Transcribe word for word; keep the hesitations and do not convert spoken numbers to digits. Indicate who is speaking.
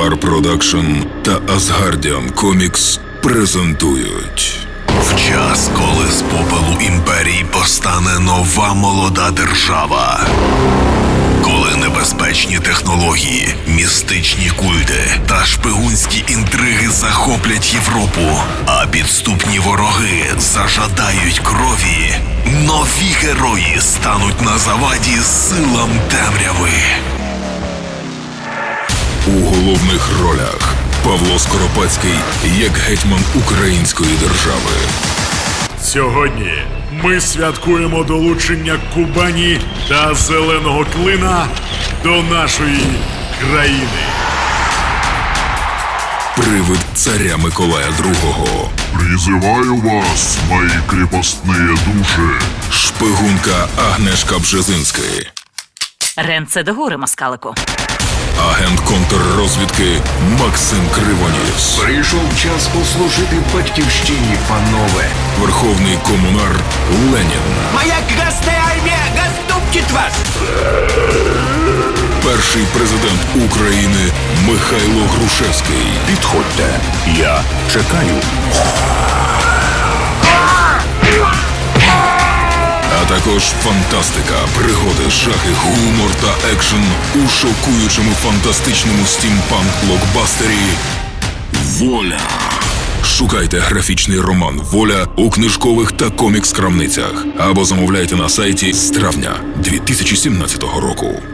Speaker 1: Ангар Продакшн та Асгардіан Комікс презентують.
Speaker 2: В час, коли з попелу імперії постане нова молода держава. Коли небезпечні технології, містичні культи та шпигунські інтриги захоплять Європу, а підступні вороги зажадають крові, нові герої стануть на заваді силам темряви.
Speaker 1: У головних ролях Павло Скоропадський як гетьман української держави.
Speaker 3: Сьогодні ми святкуємо долучення Кубані та Зеленого Клина до нашої країни.
Speaker 1: Привид царя Миколая другого.
Speaker 4: Призываю вас, мои крепостные души.
Speaker 1: Шпигунка Агнешка Бжезинський.
Speaker 5: Ренце до гори, москалику.
Speaker 1: Агент контррозвідки Максим Кривоніс.
Speaker 6: Прийшов час послужити батьківщині, панове.
Speaker 1: Верховний комунар Ленін.
Speaker 7: Моя красная армия готовит вас!
Speaker 1: Перший президент України Михайло Грушевський.
Speaker 6: Підходьте, я чекаю.
Speaker 1: А також фантастика, пригоди, жахи, гумор та екшен у шокуючому фантастичному стімпанк-блокбастері «Воля». Шукайте графічний роман «Воля» у книжкових та комікс-крамницях або замовляйте на сайті з травня дві тисячі сімнадцятого року.